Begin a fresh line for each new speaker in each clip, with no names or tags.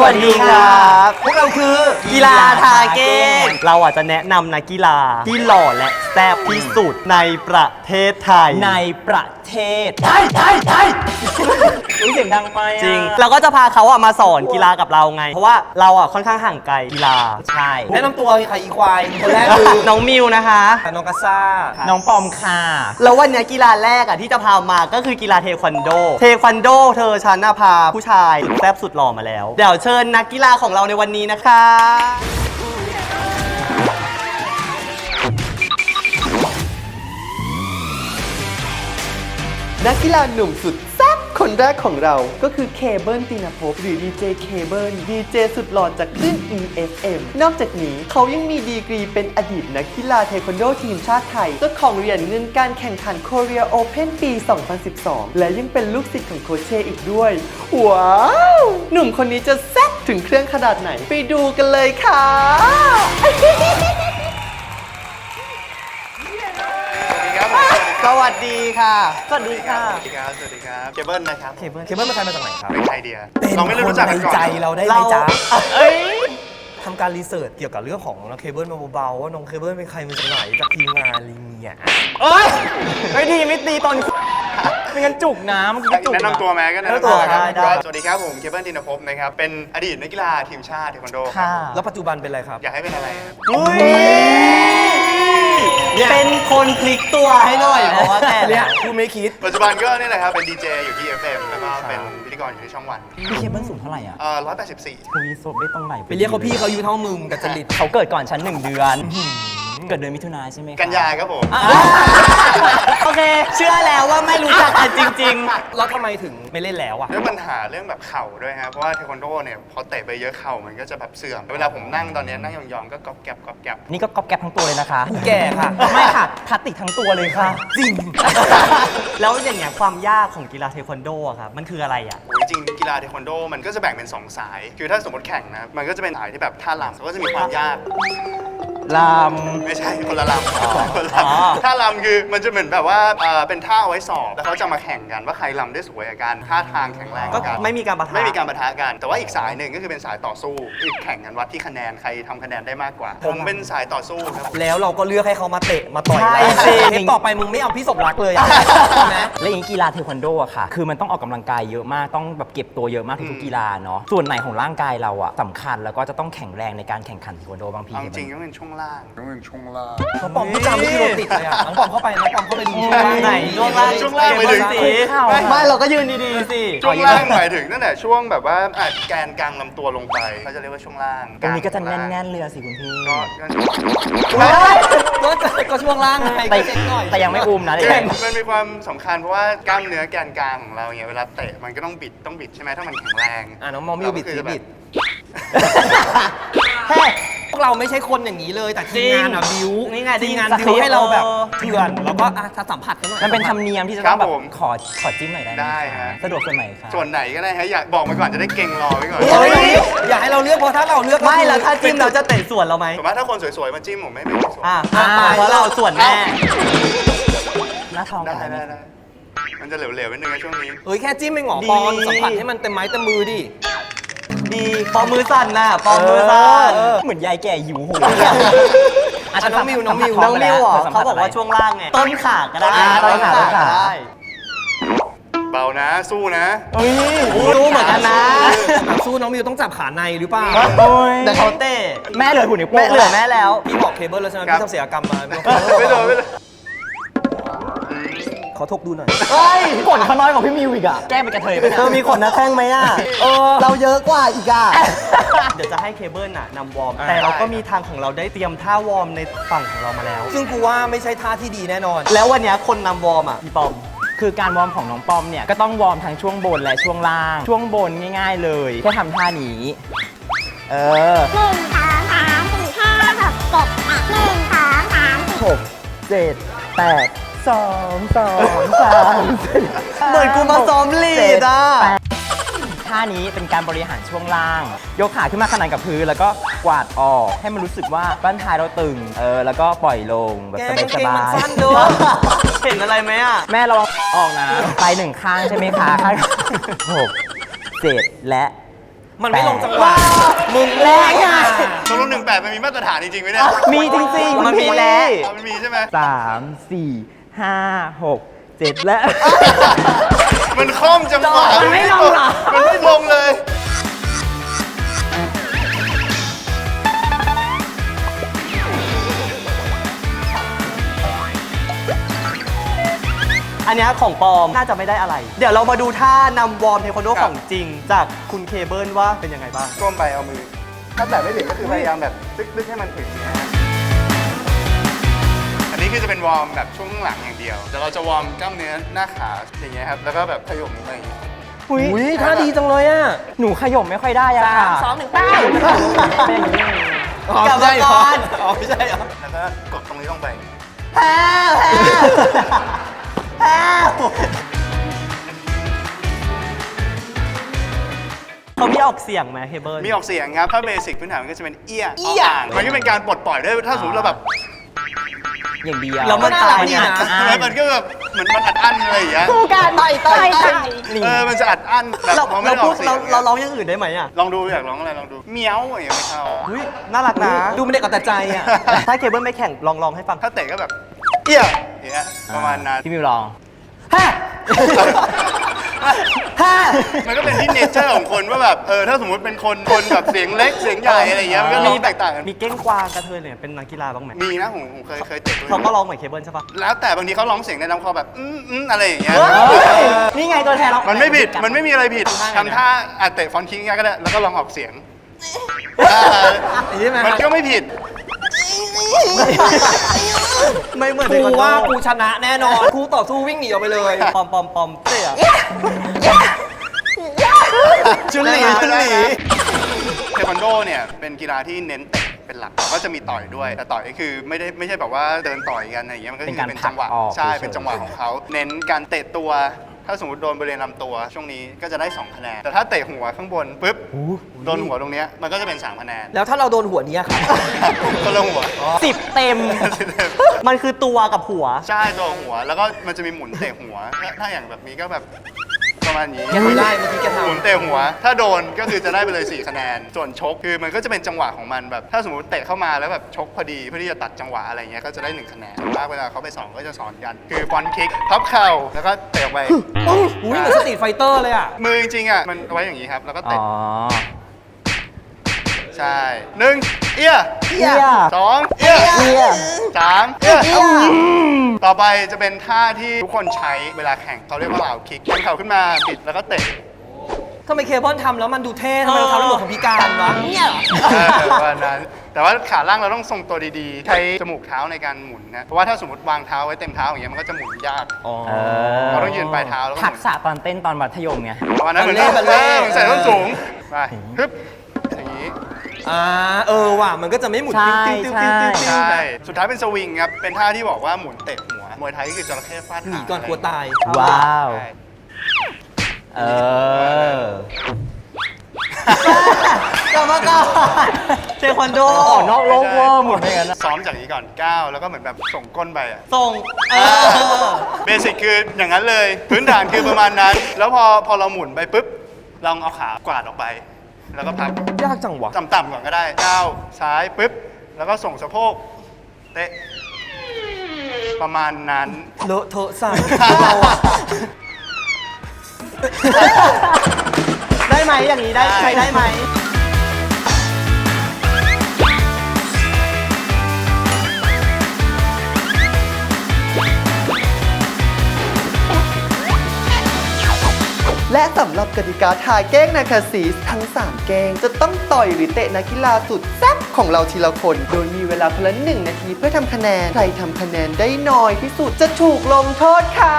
วัสดีครับพวกเราคือกีฬาทาเก้งเราอาจจะแนะนำนักกีฬาที่หล่อและแซ่บที่สุดในประเทศไทย
ไทยเสียงดังไป
จริงเราก็จะพาเขามาสอนกีฬากับเราไงเพราะว่าเราค่อนข้างห่างไกลกีฬา
ใช่แนะนำตัวค่ะอีควายคนแรกคือ
น้องมิวนะคะ
น้องกัสซ่า
น้องปอมค่ะ
แล้ววันนี้กีฬาแรกที่จะพามาก็คือกีฬาเทควันโดเธอฉันพาผู้ชายสุดแซ่บสุดหล่อมาแล้วเดี๋ยวเชิญนักกีฬาของเราในวันนี้นะคะนักกีฬาหนุ่มสุดแซ่บคนแรกของเราก็คือเคเบิลตินภพหรือดีเจเคเบิลดีเจสุดหล่อจากคลื่น EFM นอกจากนี้เขายังมีดีกรีเป็นอดีตนักกีฬาเทควันโดทีมชาติไทยเจ้าของเหรียญเงินการแข่งขัน Korea Open ปี 2012 และยังเป็นลูกศิษย์ของโคชเชอีกด้วยว้าวหนุ่มคนนี้จะแซ่บถึงเครื่องขนาดไหนไปดูกันเลยค่ะสวัสดีค่ะสวัสดีค่ะ
สวัสดีครับ สวัสดีครับ เคเบิลนะครับ
เคเบิลเป็นใครมาจากไหนครับ
เป็นใครเดียเราไม่ได้รู้จักกันก่อน
ใจเราได้ไหมจ๊ะทำการรีเสิร์ชเกี่ยวกับเรื่องของน้องเคเบิลมาเบาๆว่าน้องเคเบิลเป็นใครมาจากไหนจากทีมงานอะไรเงี้ย
เอ้ยไม่ดีไม่ตีตอนไม่งั้นจุกน้ำเมื่อกี้จุก
แนะนำตัวแม้ก็แนะนำ
ตัว
ครับ
ได้
สวัสดีครับผมเคเบิลตินภพนะครับ เป็นอดีตนักกีฬาทีมชาติเทควันโดครับ
ค่ะ
แล้วปัจจุบันเป็นอะไรครับ
อยากให้เป็นอะไรครับ
เป็นคนพลิกตัวให้หน่อยเพราะว่าแต่
เนี่ยพูดไม่คิด
ปัจจุบันก็นี่แหละครับ เป็นดีเจอยู่ที่ FM แล้วก็เป็นพิธีกรอยู่ที่ช่องวัน
พี่เคเบิลสูงเท่าไหร่อ่ะ
184
คุยศพได้ตรงไหน
ไปเรียกเขาพี่เขาอายุเท่ามึงกับจริต
เขาเกิดก่อนฉัน1 เดือน เกิดเดือนมิถุนายนใช่ไหมคะ
กันยาครับผม
โอเค เชื่อแล้วว่าไม่รู้จักกันจริง
แล้วทำไมถึงไม่เล่นแล้วอ่ะ
ด้วยปัญหาเรื่องแบบเข่าด้วยครับเพราะว่าเทควันโดเนี่ยพอเตะไปเยอะเข่ามันก็จะแบบเสื่อม เวลาผมนั่งตอนนี้นั่งยองๆก็ก๊อบแก๊บก๊อบแก๊บ
นี่ก็ก๊อบแก๊บทั้งตัวเลยนะคะ
แก่ค่ะ
ไม่ค่ะทัดติกทั้งตัวเลยค่ะ
จริง
ๆ แล้วอย่างเงี้ยความยากของกีฬาเทควันโดอะครับมันคืออะไรอะ
โอ้ยจริงกีฬาเทควันโดมันก็จะแบ่งเป็น 2 สาย คือถ้าสมมติแข่งนะ มันก็จะเป็นสายที่แบบท่าลำก็จะมีความยาก
ล
ไม่ใช่คนละลำคนละ
อ๋อ
ลำท่าลำคือมันจะเหมือนแบบว่าเป็นท่าเอาไว้สอบแล้วเขาจะมาแข่งกันว่าใครลำได้สวยกว่ากันท่าทางแข็งแรง
ก็
กว่ากัน
ไม่มีการปะทะ
ไม่มีการปะทะกัน แต่ว่าอีกสายหนึ่งก็คือเป็นสายต่อสู้คือแข่งกันวัดที่คะแนนใครทำคะแนนได้มากกว่า ผมเป็นสายต่อสู้ครับผม
แล้วเราก็เลือกให้เขามาเตะมาต่อย
ใช่
เรา
จริง
เทปต่อไปมึงไม่เอาพี่สมรักเลยอะใช่ไหม
ำและอย่างนี้กีฬาเทควันโดอะค่ะ คือมันต้องออกกำลังกายเยอะมากต้องแบบเก็บตัวเยอะมากทุกๆกีฬาเนาะส่วนไหนของร่างกายเราอะสำคัญแล้วก็จะต้องแข็งแรงในการแข่งขันเทควันโดบางที
เอาจริงๆก็เป็นช่วงล่าง
น้องปอมพูดจาไม่มีโรติดเลยอะน้องปอมเข้าไปน้องปอมเข้าไปดูช่วงล่าง
ไหนช่วงล่าง
ช่วงล่างไปถึง
สิไม่เราก็ยืนดีๆสิ
ช่วงล่างหมายถึงตั้งแต่ช่วงแบบว่าแกนกลางลำตัวลงไปเขาจะเรียกว่าช่วงล่าง
ตรงนี้ก็จะแน่นๆเลยอะสิคุณพี่
ก็
ก็ช่วงล่างไง
แต่
ก็เช็คหน่อย
แต่ยังไม่อุ้มนะ
มันมีความสำคัญเพราะว่ากล้ามเนื้อแกนกลางของเราเนี่ยเวลาเตะมันก็ต้องบิดใช่ไหมถ้ามันแข็งแรง
น้องมอมิวบิด
เราก็คือ
บิด
เฮ้ย
พวกเราไม่ใช่คนอย่างนี้เลยแต่ทีมงานอะบิว
นี่ไง
ทีมงาน
สคริ
บิ
ปต์
วให้เราแบบเถื่อนแล้วก็ถ้าสัมผัสกันหน่อย
มันเป็นธรรมเนียมที่จะต้องแบบขอจิ้มหน่อยได้ไหม
ได้ฮะ
สะดวกส่วนไหนคะ
ส่วนไหนก็ได้ฮะอยากบอกมาก่อนจะได้เก่งรอไว้ก่อน
เฮ้ยอย่าให้เราเลือกเพราะถ้าเราเลือกก็
ไม่
คือ
แล้วถ้าจิ้มเราจะเตะสวนเราไหม
สมมติถ้าคนสวยๆมาจิ้มผมไม่เป็นสวย
เพราะเราสวนแม่
หน้าทอง
ได้
กัน
ได้มันจะเหลวๆนิดนึงนะช่วงนี้
เฮ้ยแค่จิ้มเองเหรอ
ดี
ปอนสัมผัสให้มันเต็มไม้เต็มมือดิ
ดีปอมมือสั่นน่ะปอมมือสั่น
เหมือนยายแก่หิวโหย
น้องมิว
น้องมิวเหรอเขาบอกว่าช่วงล่างไงต้นขาก็ได้
ต้นขา
ได้
เบานะสู้นะ
รู้เหมือนกันนะ
สู้น้องมิวต้องจับขาในหรือเปล่า
แต่เขาเตะ
แม่เลยหุ่นนิ้วโป้
แม่
ง
เหลือแม่แล้ว
พี่บอกเคเบิลแล้วใช่ไหม
ครับ
พี่ทำเสียกรรมมา
ไม่โดน
เขาทบดูหน่อย
เฮ้ย
ขนเขาน้อยกว่าพี่มิวอีกอะแก้เป็นกระเทยไป
เธอมีขนหน้าแข้งไหมอ่ะ
เราเยอะกว่าอีกอะ
เดี๋ยวจะให้เคเบิลนำวอร์ม แต่เราก็มีทางของเราได้เตรียมท่าวอร์มในฝั่งของเรามาแล้ว
ซึ่งกูว่าไม่ใช่ท่าที่ดีแน่นอน
แล้ววันนี้คนนำวอร์มอ่ะพี่ปอม
คือการวอร์มของน้องปอมเนี่ยก็ต้องวอร์มทั้งช่วงบนและช่วงล่าง ช่วงบนง่ายๆเลยแค่ทำท่านี้
1 2 3 4 5 6 7 8 1 2 3 4
6 7 8 2 2 3
เหมือนกูมาซ้อมลีดอ่ะ
ท่านี้เป็นการบริหารช่วงล่าง ยกขาขึ้นมาขนานกับพื้นแล้วก็กวาดออกให้มันรู้สึกว่าบ้านท้ายเราตึงแล้วก็ปล่อยลงแบบ
แก
ส
กางเกง
บา
มัน
ย
สั้นด้วย
เห็นอะไรไหมอ่ะ
ๆแม่ระวังออกนะไปหนึ่งข้างใช่ไหมคะข้าง6 7 และ
มันไม่ลงจังหวะมึง
แรงอะ
ตกลง18มันมีมาตรฐานจริงๆไหมเนี่ย
มีจริงๆ
มันมีแล้ว
อ๋อมันมีใช่ไหม
3 4 5 6 7 และ
มันคล่อมจังหวะ
มันไม่ลงเหรอ
มันไม่ลงเลย
อันเนี้ยของปลอมน่าจะไม่ได้อะไร เดี๋ยวเรามาดูท่านำวอร์มเทควันโด
ครับ
ของจริง จากคุณเคเบิลว่าเป็นยังไงบ้าง
ก้มไปเอามือ ถ้าแตะไม่ถึงก็คือพยายามแบบตึกๆให้มันถึงนะฮะอันนี้คือจะเป็นวอร์มแบบช่วงข้างหลังอย่างเดียวเดี๋ยวเราจะวอร์มกล้ามเนื้อหน้าขาอย่างเงี้ยครับ แล้วก็แบบขยมลงไปอย่างงี้
อุ้ยท่าดีจังเลยอ่ะ
หนูขย่มไม่ค่อยได้อะค่ะ
3 2 1ไป
เป็นอย่างนี้
กลับมาก่อนอ๋อไม่ใช่เหรอ
แล้วก็กดตรงนี้ลงไป
เขามีออกเสียงไหมเคเบิล
มีออกเสียงครับ ถ้าเบสิกพื้นฐานมันก็จะเป็นเอี้ยอ่างมันก็เป็นการปลดปล่อยด้วย ถ้าสมมติเราแบบ
อย่างเดียว
แล้วมันตายนี่นะ
แล้วมันก็แบบเหมือนมันอัดอั้นอะไรอย่างเงี้ย
คู่การต่อยต่อยต่อย
มันจะอัดอั้นแบบ
เรา
พอไม่
เรา
ได้อ
พู
อ
ด
กเสีย
เรา
ง
เราร้องอย่างอื่นได้ไหมอ่ะ
ลองดูอยากร้องอะไรลองดูเมี้ยวอย่างเงี้ยไม่เข้า
อุ้ยน่ารักนะ
ดูไม่ได้กับแต่ใจอ่ะ
ถ้าเคเบิลไม่แข่งลองให้ฟัง
ถ้าเตะก็แบบเอี้ยอย่างเงี้ยประมาณนั้น
พี่มิวลอง
มันก็เป็นที่เนเจอร์ของคนว่าแบบถ้าสมมติเป็นคนแบบเสียงเล็กเสียงใหญ่อะไรอย่างเงี้ยมันก็ร้องแตกต่างกัน
มีเก้งกวางกระเทยเนี่ยเป็นนักกีฬาบ้างไหม
มีนะผมเคยเตะด้วย
เขาก็ร้องเหมือนเคเบิลใช่ปะ
แล้วแต่บางทีเขาร้องเสียงในลำคอแบบอะไรอย่างเงี้ย
นี่ไงตัวแทนเรา
มันไม่ผิด มันไม่มีอะไรผิด
ทำท่าไงนะ
ทำท่าเตะฟอนต์คิงก็ได้ แล้วก็ลองออกเสียง
อย่างนี้ไหม
มันก็ไม่ผิด
ไม่เหมือน
กูว่ากู
เทค
ชนะแน่นอนกูต่อสู้วิ่งหนีออกไปเลย
วันโดปอมเตะ
จุนหลีจุนหลี
เทควันโดเนี่ยเป็นกีฬาที่เน้นเตะเป็นหลักก็จะมีต่อยด้วย แต่ต่อยก็คือไม่ใช่แบบว่าเดินต่อยกันอะไรอย่างเงี้ย มันก็คือเป็นจังหวะ
เป็นการผลักออก
ใช่
เฉยๆ
เป็นจังหวะของเขา เน้นการเตะตัว ถ้าสมมติโดนบริเวณลำตัวช่วงนี้ก็จะได้2คะแนน แต่ถ้าเตะหัวข้างบนปุ๊บ โดนหัวตรงเนี้ยมันก็จะเป็น3คะแนน
แล้วถ้าเราโดนหัวนี้ครับ
ก็ลงหัว
10 เต็ม มันคือตัวกับหัว
ใช่ตัวหัวแล้วก็มันจะมีหมุนเตะหัว ถ้าอย่างแบบนี้ก็แบบประมาณนี้
แกทำได้เมื่อกี้แกทำ
หมุนเตะหัว ถ้าโดนก็คือจะได้ไปเลย4คะแนน ส่วนชกคือมันก็จะเป็นจังหวะของมันแบบ ถ้าสมมติเตะเข้ามาแล้วแบบชกพอดีเพื่อที่จะตัดจังหวะอะไรเงี้ยก็จะได้1คะแนนส่วนมากเวลาเขาไปสอนก็จะสอนกัน คือฟอนต์คิกพับเข่าแล้วก็เตะออกไป
อุ้ยเหมือนสตรีทไฟเตอร์เลยอ่ะ
มือจริงๆอ่ะมันเอาไว้อย่างนี้ครับแล้วก็
อ๋
เตะ
อ
ใช่1เอี้ย
เอี้ย
2เอี้ย
เอี้ย
3เอี้ยต่อไปจะเป็นท่าที่ทุกคนใช้เวลาแข่งเขาเรียกว่าเหล่าคิกแข่งเข่าขึ้นมาบิดแล้วก็เตะ
ทำไมเคเบิลทำแล้วมันดูเท่ทำไมเราทำแล้วเหมือนคนพิการวะเนี่ยเหรอ
วันนั้นแต่ว่าขาล่างเราต้องทรงตัวดีๆ ใช้จมูกเท้าในการหมุนนะ เพราะว่าถ้าสมมติวางเท้าไว้เต็มเท้าอย่างเงี้ยมันก็จะหมุนยาก
เออ
เราต้องยืนปลายเท้าแล้วก็ห
ทัก
มุน
ษะตอนเต้นตอนมัธยมไง
วันนั้นเหมือน
บัลเล่ต์
เหมือนใส่ส้นสูงไปฮึบอย่างนี้
ว่ะมันก็จะไม่หมุน
ใช่
ติ้วติ้วติ้วติ้วติ้ว
ใช่สุดท้ายเป็นสวิงครับเป็นท่าที่บอกว่าหมุนเตะหัวมวยไทยก็คือจระเข้ฟาด
หนี
หาง
ก่อนกลัวตาย
ว้าว
ใช่
เออ
กรรมการเทควันโด
ออกนอกโลกเวอร์หมดเลยกันนะ
ซ้อมจากนี้ก่อนก้าวแล้วก็เหมือนแบบส่งก้นไปอะ
ส่ง
เบสิกคืออย่างนั้นเลย พื้นฐานคือประมาณนั้น แล้วพอเราหมุนไปปุ๊บลองเอาขากวาดออกไป แล้วก็พัก
ยากจังวะ
ต่ำๆก่อนก็ได้ก้าวซ้ายปุ๊บแล้วก็ส่งสะโพกเตะประมาณนั้น
เลอะเทอะสั่งเราอะ
ได้ไหมอย่างนี้ได้ใช้ได้ไหม และสำหรับกติกาทายแกล้งนาคาซีสทั้ง 3 แกล้งจะต้องต่อยหรือเตะนักกีฬาสุดแซ่บของเราทีละคน โดยมีเวลาคนละ1 นาทีเพื่อทำคะแนน ใครทำคะแนนได้น้อยที่สุดจะถูกลงโทษค่ะ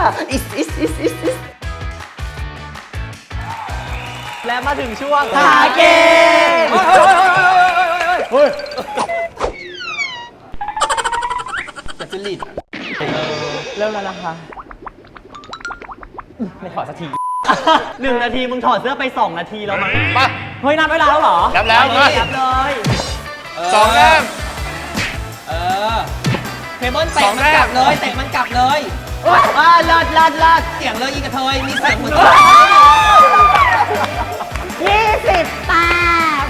และมาถึงช่วงทายเกม
อยากจะหลีด
เริ่มแล้วนะคะ ไม่ถอดสักที
1 นาทีมึงถอดเสื้อไป 2 นาทีแล้วมั้ง
มา
เฮ้ยนับเวลาแล้วเหรอ
นับแล้ว
นับเลย
สองแต้ม
เคเบิลเตะมันกลับเลย เตะมันกลับเลย
ลัด
เสียงเลยอีกระเทยมีเสียงเหมือน
20 แต้ม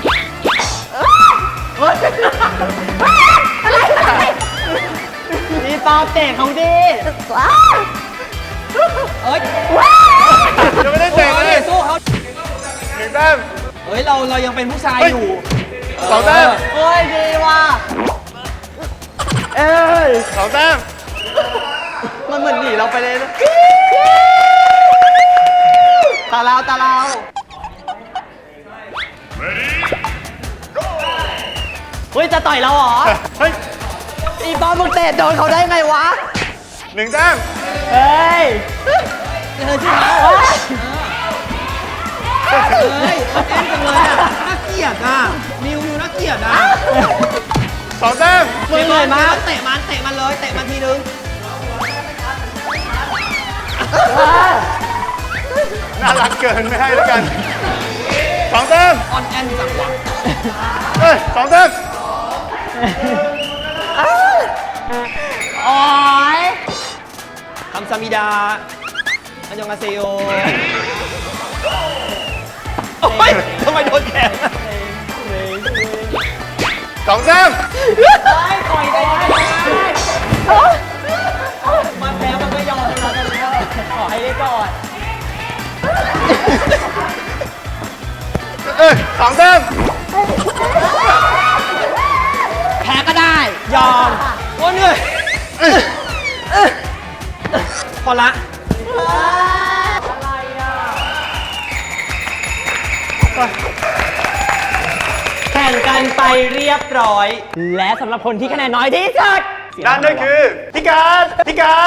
นี่ตอบเตะเขาดิ
เอ้ย
ยังไม่ได้เตะเลย
สู้เขา
1 แต้ม
เฮ้ยเรายังเป็นผู้ชายอยู่
2 แต้ม
เฮ้ยดีว่ะเอ้ย
2 แต้ม
มันเหมือนหนีเราไปเลยนะตาเราเฮ้ยจะต่อยเราเหรอ
เฮ้ย
อีบอลมึงเตะโดนเขาได้ไงวะ
1 แต้ม
เฮ้ย
เธอชื่อเขาเฮ้ยมันแอนจังเลยอ่ะน่าเกลียดอ่ะมิวน่าเกลียดอ่ะ
2 แต้ม
มึงเลยมาเตะมันเลยเตะมันทีนึง
น่ารักเกินไม่ให้แล้วกัน 2 แต้ม
ออนแอนจังหวะ
เอ้ย 2 แต้ม
โอ๊ย
คำซามิดาอันยองอาเซโยโอ้ยทำไมโดนแขน
2 แต้ม
ต่อยได้มันแพ้มันก็ยอมชนะกันแล้วขอให้ได้ก่อน
เอ้ย 2 แต้ม
แพ้ก็ได้ ยอมโอ้เหนื่อยพอละ
แข่งกันไปเรียบร้อย และสำหรับคนที่คะแนนน้อยที่สุด
นั่นก็คือพี่การ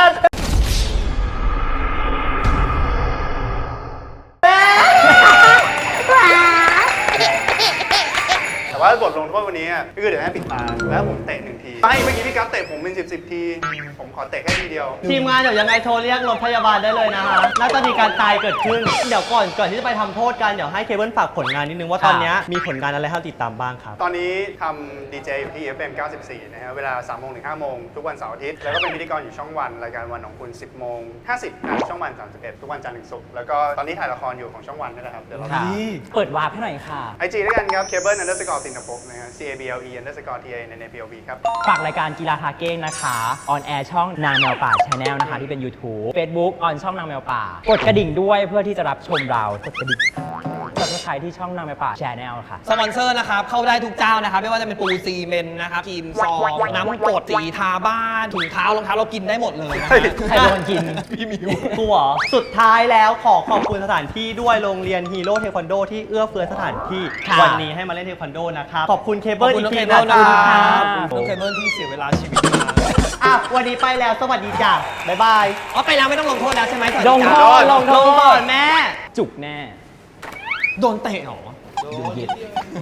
แต่ว่าบทลงโทษวันนี้ก็คือเดี๋ยวให้ปิดตาแล้วผมเตะ1 ทีไม่เมื่อกี้พี่กัฟเตะผมเป็น10 ที ผมขอเตะแค่ทีเดียว
ทีมงานเดี๋ยวยังไงโทรเรียกรถพยาบาลได้เลยนะคะน่าจะมีการตายเกิดขึ้น เดี๋ยวก่อนที่จะไปทำโทษกัน เดี๋ยวให้เคเบิลฝากผลงานนิดนึงว่าตอนนี้มีผลงานอะไรให้เราติดตามบ้างครับ
ตอนนี้ทำดีเจอยู่ที่ FM 94 นะฮะเวลา 3 โมงถึง 5 โมง ทุกวันเสาร์อาทิตย์ แล้วก็เป็นพิธีกรอยู่ช่องวัน รายการวันของคุณ 10 โมง 50ทางช่องวัน 31 ทุกวันจันทร์ถึงศุกร์แล้วก็ตอนนี้ถ่ายละครอยู่ของช่องวันนี่แหละครับเดี๋ยวเรา
เปิดวาร์ปให้หน่อยค่ะ
IG ด้วยกันครับ cable underscore ตินภพนะฮะ CABLE underscore TANNAPOV ครับ
ฝากรายการกีฬาทาเก้งนะคะออนแอร์ช่องนางแมวป่าชาแนลนะคะที่เป็น YouTube Facebook ออนช่องนางแมวป่ากดกระดิ่งด้วยเพื่อที่จะรับชมเรากดกระดิ่งSubscribe ที่ช่องนางแมวป่าชาแนลค่ะ
สปอนเซอร์นะครับ เข้าได้ทุกเจ้านะครับ ไม่ว่าจะเป็นปูซีเมนต์นะครับครีมซองน้ำกรดสีทาบ้านถุงเท้ารองเท้าเรากินได้หมดเลยนะฮะ
ใครเป็นคนกิน
พี่มิว
กูเหรอสุดท้ายแล้วขอบคุณสถานที่ด้วยโรงเรียนฮีโร่เทควันโดที่เอื้อเฟื้อสถานที่
ค่ะ
วันนี้ให้มาเล่นเทควันโดนะครับ ขอบคุณเค
ข
เบิ
อบ
ล
คุ
อี
ณ
ก
น้อง
ที
เคเบิลนะ
นะ
ค
ค
รั
รั
บบ น้องเคเบิลที่เสียเวลาชีวิตมา
อ่ะวันนี้ไปแล้วสวัสดีจ้ะบ๊ายบาย
อ๋อไปแล้วไม่ต้องลงโทษแล้วใช่ไหม
ลงโทษลงโท
ลงก่อ
ษ
นแม่
จุกแน่
โดนเตะเหรอ
เย็ด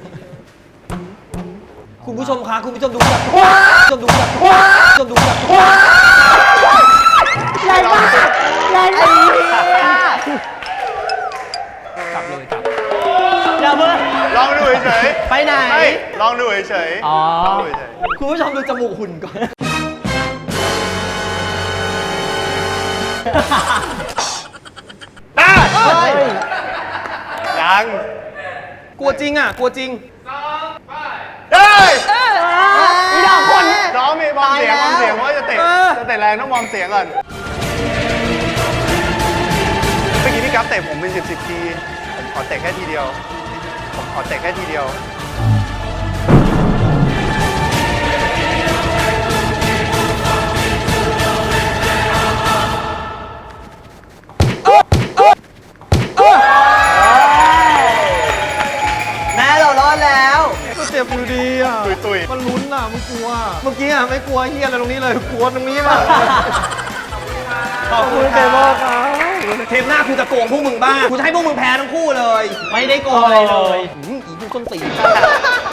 คุณผู้ชมคะคุณผู้ชมดูแบบคุณผู้ชมดูแบบคุณผู้ชมดูแบบ
แรงมากแรงมาก
กลับเลยกลับ
อย่าเพิ่ง
ลองดูเฉย
ไปไหน
ๆไม่ลองดูเฉยๆ
อ๋อ
ลองดูเฉย
คุณผู้ชมดูจมูกหุ่นก่อน
ๆได้
เฮ้ย
ยัง
กลัวจริงอ่ะกลัวจริง
ได้
อีดอกคน
น้องมีวอร์มเสียง
ตายแล้ว
เพราะว่าจะเตะแรงต้องวอร์มเสียงก่อนเมื่อกี้พี่กัฟเตะผมเป็น10 ทีผมขอเตะแค่ทีเดียว ผมขอเตะแค่ทีเดียว
แม่เรารอดแล้ว
ก็เจ็บอยู่ดีอ่ะ
ตุย
มันลุ้นอ่ะมันกลัว เมื่อกี้อ่ะไม่กลัวเฮียอะไรตรงนี้เลย กลัวตรงนี้แหละ
ขอบคุณเบโบครับ
เทปหน้ากูจะโกงพวกมึงบ้างกูจะให้พวกมึงแพ้ทั้งคู่เลย
ไม่ได้โกงอะไรเลย
อีกูส้นตีน